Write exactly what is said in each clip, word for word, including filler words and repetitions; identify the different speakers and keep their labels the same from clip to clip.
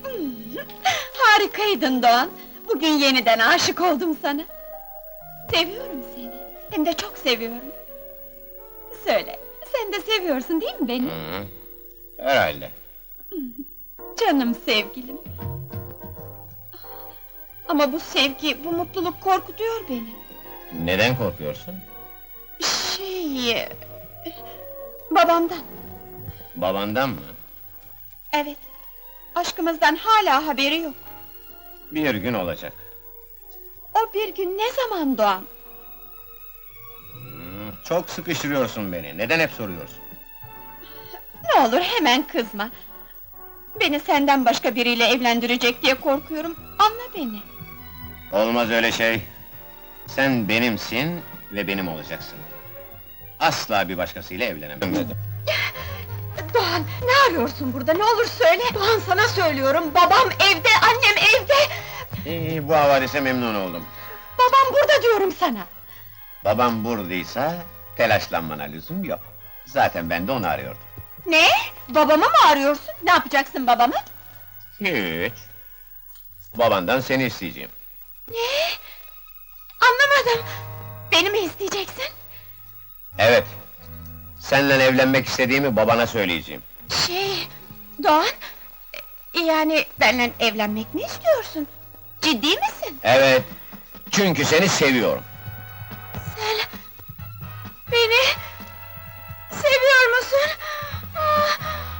Speaker 1: Harikaydın Doğan! Bugün yeniden aşık oldum sana! Seviyorum seni, hem de çok seviyorum! Söyle, sen de seviyorsun değil mi beni?
Speaker 2: Hı, herhalde.
Speaker 1: Canım sevgilim! Ama bu sevgi, bu mutluluk korkutuyor beni!
Speaker 2: Neden korkuyorsun?
Speaker 1: Şey... Babamdan!
Speaker 2: Babandan mı?
Speaker 1: Evet! Aşkımızdan hala haberi yok!
Speaker 2: Bir gün olacak.
Speaker 1: O bir gün ne zaman Doğan?
Speaker 2: Hı, çok sıkıştırıyorsun beni, neden hep soruyorsun?
Speaker 1: Ne olur hemen kızma! Beni senden başka biriyle evlendirecek diye korkuyorum, anla beni!
Speaker 2: Olmaz öyle şey. Sen benimsin ve benim olacaksın. Asla bir başkasıyla evlenemem.
Speaker 1: Doğan, ne arıyorsun burada, ne olur söyle! Doğan, sana söylüyorum, babam evde, annem evde!
Speaker 2: İyi, bu havadise memnun oldum.
Speaker 1: Babam burada diyorum sana!
Speaker 2: Babam buradaysa, telaşlanmana lüzum yok. Zaten ben de onu arıyordum.
Speaker 1: Ne? Babamı mı arıyorsun? Ne yapacaksın babamı?
Speaker 2: Hiç. Babandan seni isteyeceğim.
Speaker 1: Ne? Anlamadım! Beni mi isteyeceksin?
Speaker 2: Evet. Seninle evlenmek istediğimi babana söyleyeceğim.
Speaker 1: Şey... Doğan... Yani benimle evlenmek mi istiyorsun? Ciddi misin?
Speaker 2: Evet. Çünkü seni seviyorum.
Speaker 1: Sen... Beni... Seviyor musun? Ah,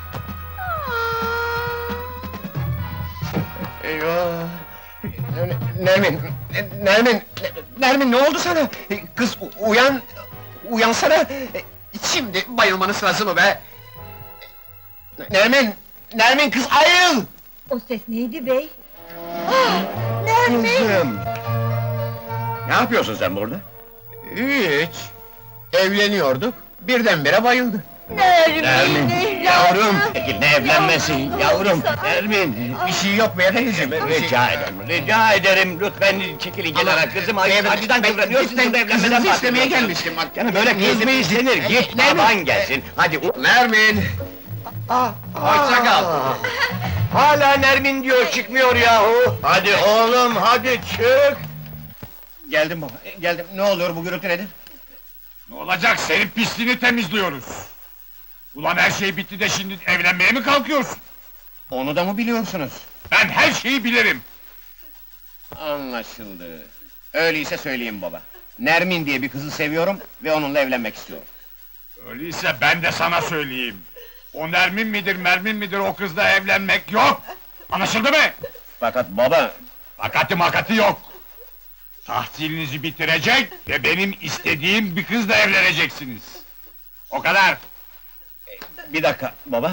Speaker 1: ah.
Speaker 2: Eyvah! Nermin! Nermin! Nermin, ne oldu sana? Kız u- uyan! Uyansana! Şimdi bayılmanın sırası mı be? Nermin! Nermin, kız ayıl!
Speaker 1: O ses neydi bey? Ah! Nermin!
Speaker 2: Kızım! Ne yapıyorsun sen burada? Hiç! Evleniyorduk, birdenbire bayıldı.
Speaker 1: Nermin!
Speaker 2: Nermin, yavrum! Ne evlenmesi, yavrum! Nermin! Bir şey yok be teyzeciğim,
Speaker 3: Rica ederim, rica ederim, lütfen çekilin kenara kızım, ay, acıdan kıvranıyorsun, burada evlenmeden
Speaker 2: kızınızı istemeye
Speaker 3: bahsediyorsun.
Speaker 2: gelmiştim bak!
Speaker 3: Yani böyle kız mı istenir, git baban gelsin, hadi u-
Speaker 2: Nermin!
Speaker 3: Hoşça kal! Hala Nermin diyor, çıkmıyor yahu! Hadi oğlum, hadi çık!
Speaker 2: Geldim baba, geldim. Ne oluyor, bu gürültü nedir?
Speaker 4: Ne olacak, senin pisliğini temizliyoruz! Ulan her şey bitti de şimdi evlenmeye mi kalkıyorsun?
Speaker 2: Onu da mı biliyorsunuz?
Speaker 4: Ben her şeyi bilirim!
Speaker 2: Anlaşıldı. Öyleyse söyleyeyim baba. Nermin diye bir kızı seviyorum ve onunla evlenmek istiyorum.
Speaker 4: Öyleyse ben de sana söyleyeyim! O Nermin midir, Mermin midir, o kızla evlenmek yok! Anlaşıldı mı?
Speaker 2: Fakat baba...
Speaker 4: Fakati makati yok! Tahsilinizi bitirecek ve benim istediğim bir kızla evleneceksiniz! O kadar!
Speaker 2: Bir dakika baba.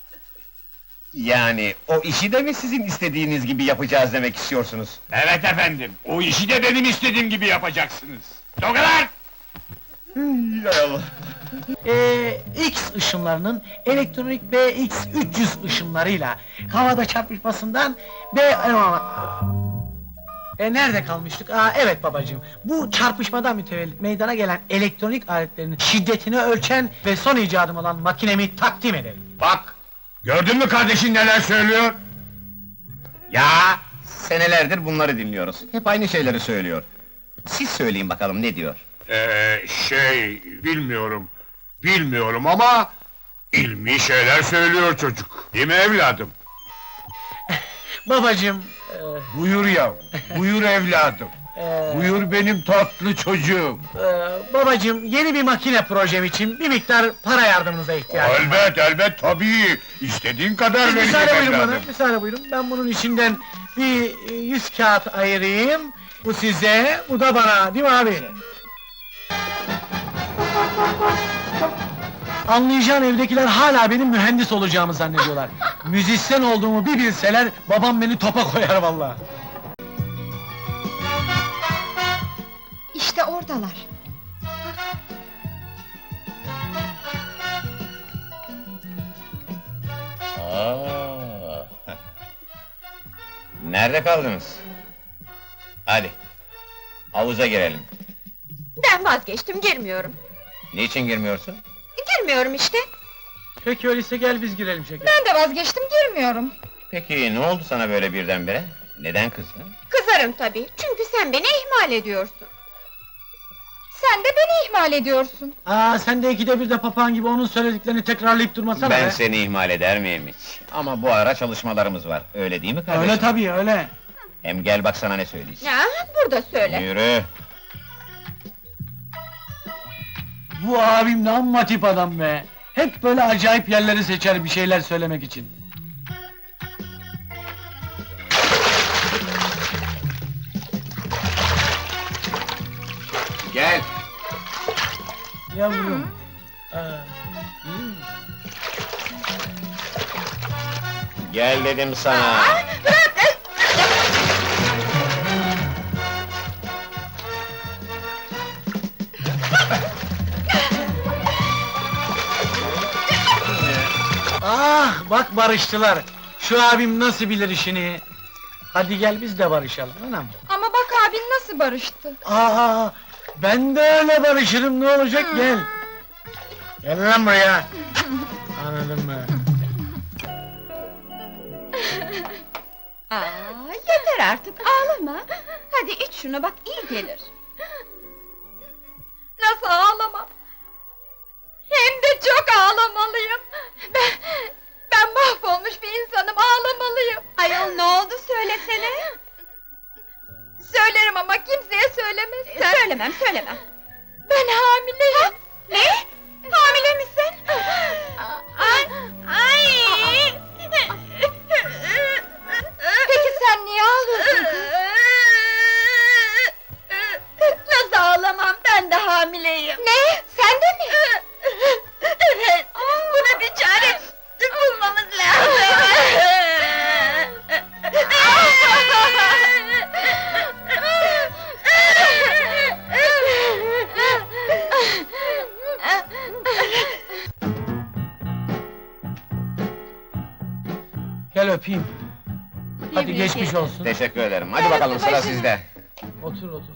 Speaker 2: Yani o işi de mi sizin istediğiniz gibi yapacağız demek istiyorsunuz?
Speaker 4: Evet efendim, o işi de benim istediğim gibi yapacaksınız! O kadar!
Speaker 2: Ya Allah!
Speaker 5: Ee, X ışınlarının elektronik B X üç yüz ışınlarıyla havada çarpışmasından B... E nerede kalmıştık? Aa evet babacığım. Bu çarpışmadan mütevellit meydana gelen elektronik aletlerin şiddetini ölçen ve son icadım olan makinemi takdim ederim.
Speaker 4: Bak! Gördün mü kardeşin neler söylüyor?
Speaker 2: Ya! Senelerdir bunları dinliyoruz. Hep aynı şeyleri söylüyor. Siz söyleyin bakalım ne diyor?
Speaker 4: Ee, şey, bilmiyorum. Bilmiyorum ama... ilmi şeyler söylüyor çocuk. Değil mi evladım?
Speaker 5: Babacığım...
Speaker 4: Buyur yav, buyur evladım.
Speaker 5: E, e,
Speaker 4: Buyur benim tatlı çocuğum.
Speaker 5: e, babacığım yeni bir makine projem için bir miktar para yardımınıza ihtiyacım var.
Speaker 4: Elbet, elbet, tabii! İstediğin kadar
Speaker 5: Siz
Speaker 4: vereceğim
Speaker 5: müsaade buyurun bana,
Speaker 4: evladım.
Speaker 5: müsaade buyurun. Ben bunun içinden bir e, yüz kağıt ayırayım. Bu size, bu da bana, değil mi abi? Anlayacağın evdekiler hala benim mühendis olacağımı zannediyorlar. Müzisyen olduğumu bir bilseler, babam beni topa koyar vallahi.
Speaker 1: İşte oradalar!
Speaker 2: Aa. Nerede kaldınız? Hadi. Havuza girelim.
Speaker 1: Ben vazgeçtim, girmiyorum!
Speaker 2: Niçin girmiyorsun?
Speaker 1: Girmiyorum işte!
Speaker 5: Peki öyleyse gel biz girelim şeker.
Speaker 1: Ben de vazgeçtim, girmiyorum!
Speaker 3: Peki ne oldu sana böyle birdenbire? Neden kızdın?
Speaker 1: Kızarım tabii, çünkü sen beni ihmal ediyorsun.
Speaker 6: Sen de beni ihmal ediyorsun.
Speaker 5: Aa, sen de ikide bir de papağan gibi onun söylediklerini tekrarlayıp durmasana
Speaker 3: Ben
Speaker 5: be.
Speaker 3: seni ihmal eder miyim hiç? Ama bu ara çalışmalarımız var, öyle değil mi kardeşim?
Speaker 5: Öyle tabii, öyle.
Speaker 3: Hem gel bak sana ne söyleyeceğim.
Speaker 1: Ya, burada söyle.
Speaker 3: Yürü!
Speaker 5: Bu abim ne amma tip adam be. Hep böyle acayip yerleri seçer bir şeyler söylemek için.
Speaker 3: Gel!
Speaker 5: Yavrum. Aa, hmm.
Speaker 3: Gel dedim sana!
Speaker 5: Ah, bak barıştılar. Şu abim nasıl bilir işini. Hadi gel biz de barışalım anam.
Speaker 6: Ama bak abin nasıl barıştı.
Speaker 5: Aa, ben de öyle barışırım, ne olacak, gel. Gel lan buraya. Anladın mı?
Speaker 1: Aa, yeter artık, ağlama. Hadi iç şunu, bak iyi gelir.
Speaker 6: Nasıl ağlamam? Hem de çok ağlamalıyım. Ben, ben mahvolmuş bir insanım, ağlamalıyım.
Speaker 1: Ayol ne oldu söylesene.
Speaker 6: Söylerim ama kimseye söylemezsen.
Speaker 1: Söylemem, söylemem.
Speaker 6: Ben hamileyim.
Speaker 1: Ne? Hamile misin? Ay! Ay!
Speaker 6: Peki sen niye ağlıyorsun kız?
Speaker 1: Nasıl ağlamam, ben de hamileyim.
Speaker 6: Ne? Sen de mi?
Speaker 1: Evet, buna bir çare bulmamız lazım.
Speaker 5: Gel öpeyim. Hadi
Speaker 1: Tebrik
Speaker 5: geçmiş
Speaker 1: ederim.
Speaker 5: olsun.
Speaker 3: Teşekkür ederim, hadi bakalım sıra sizde.
Speaker 5: Otur otur.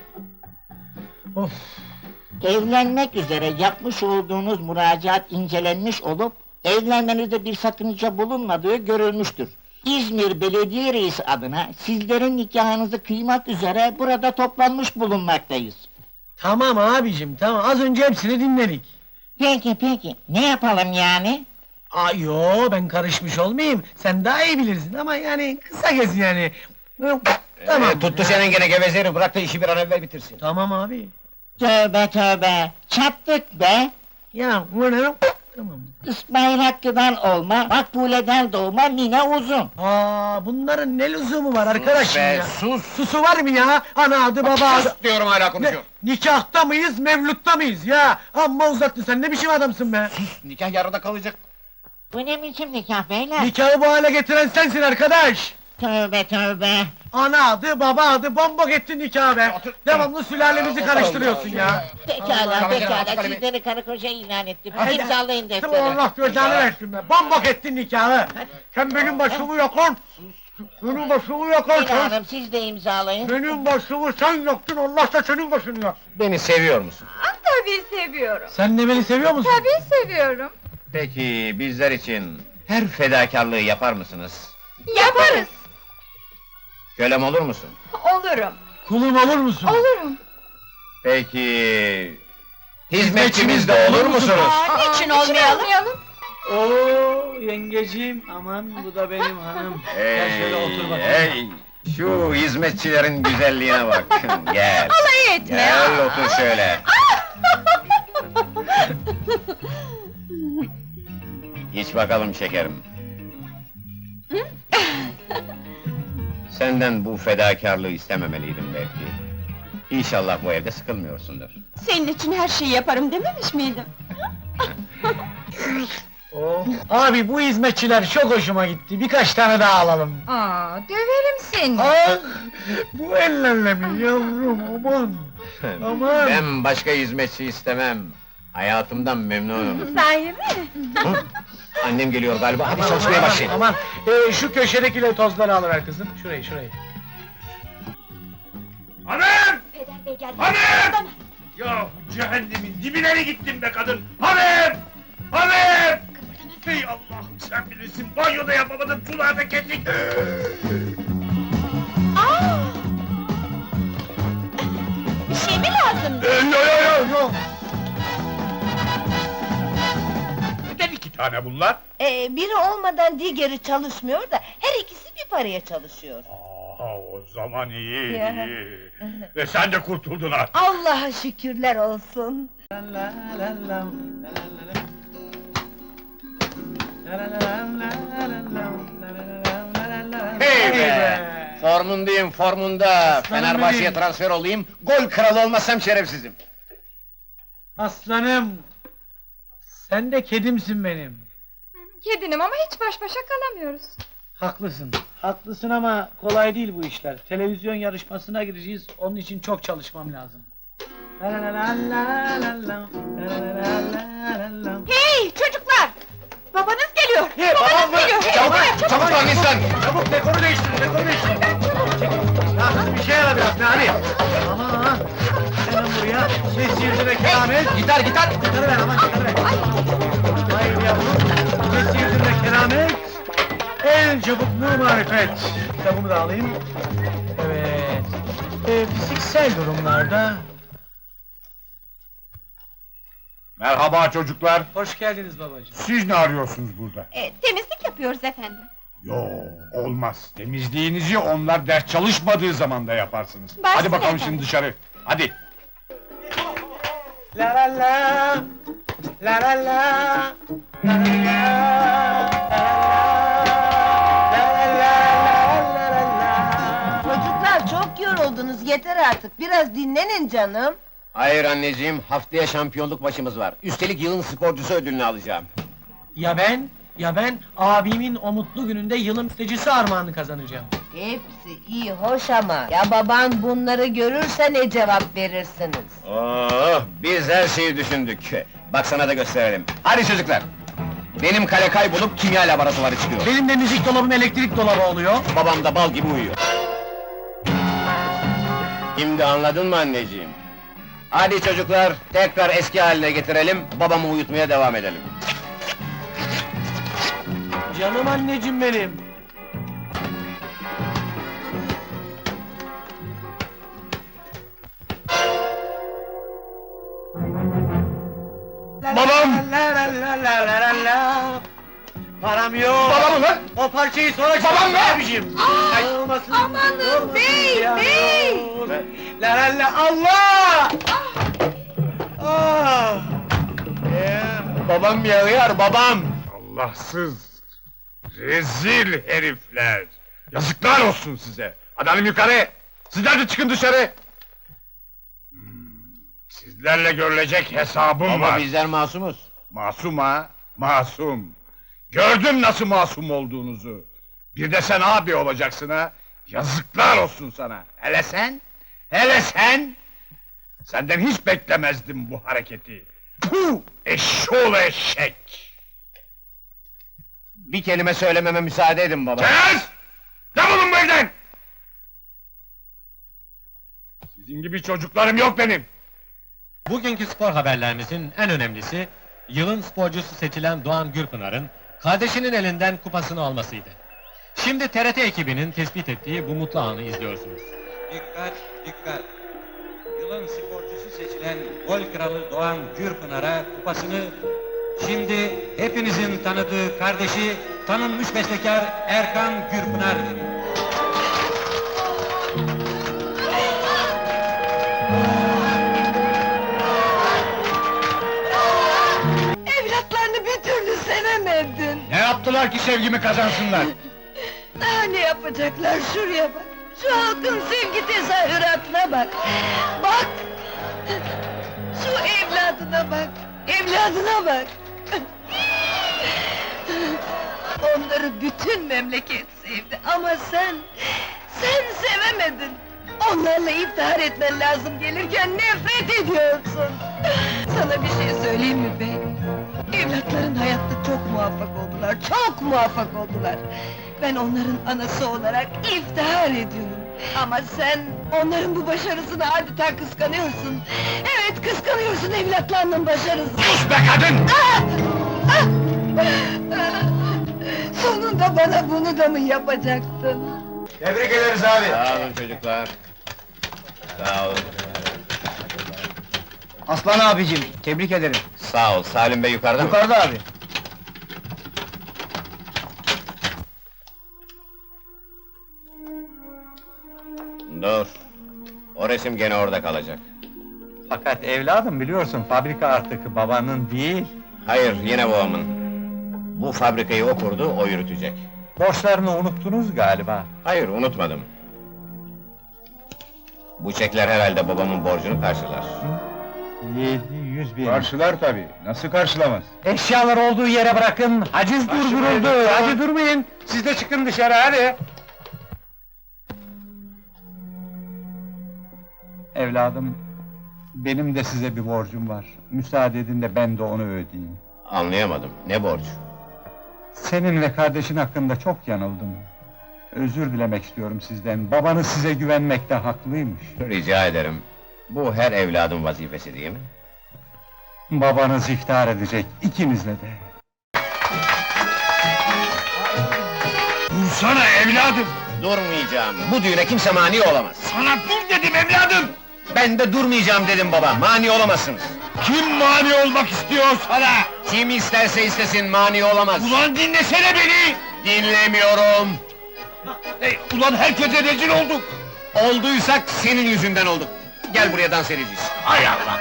Speaker 5: Of.
Speaker 7: Evlenmek üzere yapmış olduğunuz müracaat incelenmiş olup, evlenmenizde bir sakınca bulunmadığı görülmüştür. İzmir Belediye Reisi adına sizlerin nikahınızı kıymak üzere burada toplanmış bulunmaktayız.
Speaker 5: Tamam abicim, tamam, az önce hepsini dinledik.
Speaker 7: Peki peki, ne yapalım yani?
Speaker 5: Aa, yo, ben karışmış olmayayım, sen daha iyi bilirsin ama yani kısa kes yani. Tamam.
Speaker 3: Ee, tuttu senin gene gevezeri, bırak da işi bir an evvel bitirsin.
Speaker 5: Tamam abi.
Speaker 7: Tövbe tövbe, çattık be!
Speaker 5: Ya, bunu... Tamam.
Speaker 7: İsmail Hakkı'dan olma, Makbule'den doğma Mine Uzun.
Speaker 5: Aa, bunların ne lüzumu var arkadaşım
Speaker 3: be,
Speaker 5: ya?
Speaker 3: sus!
Speaker 5: Susu var mı ya? Ana adı baba adı...
Speaker 3: Sus diyorum hala
Speaker 5: Ne,
Speaker 3: konuşuyor.
Speaker 5: nikahta mıyız, mevlutta mıyız ya? Amma uzattın, sen ne biçim adamsın be?
Speaker 3: Nikah yarıda kalacak.
Speaker 7: Bu ne biçim nikah beyler?
Speaker 5: Nikahı bu hale getiren sensin arkadaş!
Speaker 7: Tövbe tövbe!
Speaker 5: Ana adı, baba adı, bombok ettin nikahı be!
Speaker 3: Otur.
Speaker 5: Devamlı sülalemizi
Speaker 3: Otur.
Speaker 5: karıştırıyorsun ya!
Speaker 7: Pekala
Speaker 3: Allah,
Speaker 7: pekala,
Speaker 3: Allah,
Speaker 7: sizleri karı koca ilan ettim.
Speaker 5: Hadi.
Speaker 7: İmzalayın
Speaker 5: Tamam,
Speaker 7: defteri.
Speaker 5: Allah gözlerini versin be! Bombok ettin nikahı! Sen benim başımı yakın! Benim başımı yakın
Speaker 7: Mine
Speaker 5: sen!
Speaker 7: Hanım siz de imzalayın.
Speaker 5: Benim başımı sen yaktın, Allah da senin başını yak!
Speaker 3: Beni seviyor musun?
Speaker 1: Tabii seviyorum.
Speaker 5: Sen de beni seviyor musun?
Speaker 6: Tabii seviyorum.
Speaker 3: Peki bizler için her fedakarlığı yapar mısınız?
Speaker 1: Yaparız.
Speaker 3: Kölem olur musun?
Speaker 1: Olurum.
Speaker 5: Kulum olur musun?
Speaker 6: Olurum.
Speaker 3: Peki... Hizmetçimiz de olur musunuz?
Speaker 1: Aa, niçin olmayalım?
Speaker 5: Oo, yengeciğim, aman bu da benim hanım. Gel şöyle otur bakayım.
Speaker 3: Hey! Şu hizmetçilerin güzelliğine bak. Gel.
Speaker 1: Alay etme.
Speaker 3: Gel otur şöyle. İç bakalım şekerim. Senden bu fedakarlığı istememeliydim belki. İnşallah bu evde sıkılmıyorsundur.
Speaker 1: Senin için her şeyi yaparım dememiş miydim?
Speaker 5: Oh. Abi bu hizmetçiler çok hoşuma gitti, birkaç tane daha alalım.
Speaker 6: Aa, döverim seni.
Speaker 5: Ah, bu ellerle mi yavrum, aman! Aman!
Speaker 3: Ben başka hizmetçi istemem. Hayatımdan memnunum.
Speaker 1: Sahi mi?
Speaker 3: Hı? Annem geliyor galiba, hadi çalışmaya başlayın.
Speaker 5: Aman, ee, şu köşedeki tozları alıver kızım, şurayı, şurayı.
Speaker 4: Hanım!
Speaker 1: Peder bey geldi.
Speaker 4: Hanım! Ya cehennemin dibine gittin be kadın! Hanım! Hanım!
Speaker 1: Kıpırdama
Speaker 4: Hey Allah'ım sen bilirsin, banyoda yapamadım, sularda kesik!
Speaker 1: Aa! Bir şey mi lazım?
Speaker 4: Yo yo yo yo! Neden iki tane bunlar?
Speaker 8: Ee, biri olmadan diğeri çalışmıyor da her ikisi bir paraya çalışıyor.
Speaker 4: Aa, o zaman iyi,
Speaker 8: Ya.
Speaker 4: iyi. Ve sen de kurtuldun artık.
Speaker 8: Allah'a şükürler olsun.
Speaker 5: La la la la, la la la. La la la la la la, la la la la.
Speaker 2: Hey be! Formundayım, formunda. Fenerbahçe'ye
Speaker 5: benim.
Speaker 2: transfer olayım, gol kralı olmasam şerefsizim.
Speaker 5: Aslanım! Sen de kedimsin benim.
Speaker 6: Kedinim ama hiç baş başa kalamıyoruz.
Speaker 5: Haklısın. Haklısın ama kolay değil bu işler. Televizyon yarışmasına gireceğiz. Onun için çok çalışmam lazım. La la la la la la la, la la la la la la.
Speaker 1: Hey çocuklar! Babanız geliyor!
Speaker 2: He, babam mı?
Speaker 1: geliyor! Hey,
Speaker 2: Çabuk,
Speaker 1: buraya,
Speaker 2: çabuk lan insan!
Speaker 5: Çabuk dekoru değiştir, dekoru değiştir. Ya kızım bir şey yara biraz ne hadi. Aman! Hemen buraya. Ses yerine keramet.
Speaker 2: Gitar, gitar!
Speaker 5: Gitarı ver aman gitarı ver. Hayır yavrum. Ses yerine keramet. En çabuk nur marifet. Kitabımı da alayım. Evet. Ee, fiziksel durumlarda...
Speaker 4: Merhaba çocuklar.
Speaker 5: Hoş geldiniz babacığım.
Speaker 4: Siz ne arıyorsunuz burada?
Speaker 1: E, temizlik yapıyoruz efendim.
Speaker 4: Yo, olmaz. Temizliğinizi onlar ders çalışmadığı zaman da yaparsınız.
Speaker 1: Başla
Speaker 4: Hadi bakalım
Speaker 1: efendim.
Speaker 4: şimdi dışarı. Hadi.
Speaker 5: La la la. La la la. La la la.
Speaker 8: Çocuklar çok yoruldunuz, yeter artık. Biraz dinlenin canım.
Speaker 2: Hayır anneciğim, haftaya şampiyonluk maçımız var. Üstelik yılın sporcusu ödülünü alacağım.
Speaker 5: Ya ben, ya ben abimin o mutlu gününde yılın stecisi armağanı kazanacağım.
Speaker 8: Hepsi iyi, hoş ama... Ya baban bunları görürse ne cevap verirsiniz?
Speaker 2: Oh, biz her şeyi düşündük. Bak sana da gösterelim. Hadi çocuklar! Benim kale kaybolup kimya laboratuvarı çıkıyor.
Speaker 5: Benim de müzik dolabım elektrik dolabı oluyor.
Speaker 2: Babam da bal gibi uyuyor. Şimdi anladın mı anneciğim? Hadi çocuklar, tekrar eski haline getirelim, babamı uyutmaya devam edelim.
Speaker 5: Canım anneciğim benim.
Speaker 4: Babam!
Speaker 5: La la la la la la la. Param yok.
Speaker 2: Babam lan!
Speaker 5: O parçayı sonra
Speaker 2: Babam
Speaker 5: çalın
Speaker 2: be!
Speaker 5: abicim.
Speaker 8: Ay,
Speaker 5: Olmasın,
Speaker 8: amanın
Speaker 5: olmasın
Speaker 8: bey,
Speaker 5: ya.
Speaker 8: bey!
Speaker 5: La la la Allah! Ah!
Speaker 2: Babam yağıyor, babam!
Speaker 4: Allahsız! Rezil herifler! Yazıklar olsun size! Hadi hanım yukarı! Sizler de çıkın dışarı! Hmm, Sizlerle görülecek hesabım
Speaker 2: Ama
Speaker 4: var.
Speaker 2: bizler masumuz.
Speaker 4: Masum ha? Masum! Gördüm nasıl masum olduğunuzu! Bir de sen abi olacaksın ha! Yazıklar olsun sana! Hele sen! Hele sen! Senden hiç beklemezdim bu hareketi! Puh! Eşşoğlu eşek!
Speaker 2: Bir kelime söylememe müsaade edin baba.
Speaker 4: Kes! Defolun bu evden! Sizin gibi çocuklarım yok benim!
Speaker 9: Bugünkü spor haberlerimizin en önemlisi, yılın sporcusu seçilen Doğan Gürpınar'ın, kardeşinin elinden kupasını almasıydı. Şimdi T R T ekibinin tespit ettiği bu mutlu anı izliyorsunuz.
Speaker 10: Dikkat, dikkat! Yılın sporcusu seçilen gol kralı Doğan Gürpınar'a kupasını şimdi hepinizin tanıdığı kardeşi, tanınmış bestekar Erkan Gürpınar veriyor.
Speaker 8: Evlatlarını bir türlü sevemedin.
Speaker 4: Ne yaptılar ki sevgimi kazansınlar?
Speaker 8: Daha ne yapacaklar, şuraya bak! Şu halkın sevgi tezahüratına bak! Bak! Şu evladına bak! Evladına bak! Onları bütün memleket sevdi ama sen... Sen sevemedin! Onlarla iftihar etmen lazım gelirken nefret ediyorsun! Sana bir şey söyleyeyim mi bey? Evlatların hayatta çok muvaffak oldular, çok muvaffak oldular! Ben onların anası olarak iftihar ediyorum! Ama sen onların bu başarısını adeta kıskanıyorsun! Evet, kıskanıyorsun evlatlarının başarısını!
Speaker 4: Sus be kadın!
Speaker 8: Ah! Ah! Sonunda bana bunu da mı yapacaktın?
Speaker 3: Tebrik ederiz abi.
Speaker 2: Sağ olun çocuklar. Sağ olun.
Speaker 5: Aslan abicim, tebrik ederim.
Speaker 2: Sağ ol, Salim Bey yukarıda mı?
Speaker 5: Yukarıda abi.
Speaker 2: Dur. O resim gene orada kalacak.
Speaker 3: Fakat evladım biliyorsun fabrika artık babanın değil.
Speaker 2: Hayır, yine babamın. Bu fabrikayı o kurdu, o yürütecek.
Speaker 3: Borçlarını unuttunuz galiba.
Speaker 2: Hayır, unutmadım. Bu çekler herhalde babamın borcunu karşılar.
Speaker 3: Yedi yüz bin.
Speaker 4: Karşılar tabii, nasıl karşılamaz?
Speaker 3: Eşyalar olduğu yere bırakın, haciz durduruldu, hadi durmayın! Siz de çıkın dışarı, hadi! Evladım, benim de size bir borcum var. Müsaade edin de ben de onu ödeyeyim.
Speaker 2: Anlayamadım, ne borç?
Speaker 3: Senin ve kardeşin hakkında çok yanıldım. Özür dilemek istiyorum sizden, babanız size güvenmekte haklıymış.
Speaker 2: Rica ederim. Bu her evladın vazifesi değil mi?
Speaker 3: Babanız iftihar edecek, ikinizle de.
Speaker 4: Dursana evladım!
Speaker 2: Durmayacağım, bu düğüne kimse mani olamaz.
Speaker 4: Sana dur dedim evladım!
Speaker 2: Ben de durmayacağım dedim baba, mani olamazsınız.
Speaker 4: Kim mani olmak istiyor sana?
Speaker 2: Kim isterse istesin, mani olamaz.
Speaker 4: Ulan dinlesene beni!
Speaker 2: Dinlemiyorum!
Speaker 4: Ey, ulan herkese rezil olduk!
Speaker 2: Olduysak senin yüzünden olduk. Gel buraya dans edeceğiz.
Speaker 4: Hay Allah!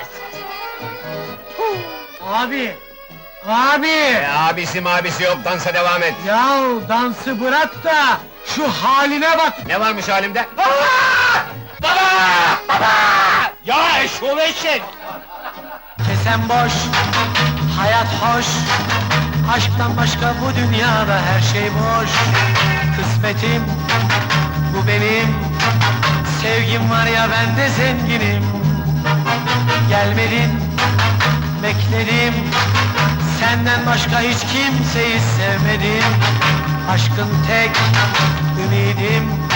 Speaker 5: Abi! Abi!
Speaker 2: E, abisi mabisi yok, dansa devam et.
Speaker 5: Yahu dansı bırak da şu haline bak!
Speaker 2: Ne varmış halimde?
Speaker 4: Ya eşşoğlu eşek!
Speaker 5: Kesen boş, hayat hoş. Aşktan başka bu dünyada her şey boş. Kısmetim, bu benim. Sevgim var ya ben de zenginim. Gelmedin, bekledim. Senden başka hiç kimseyi sevmedim. Aşkın tek ümidim.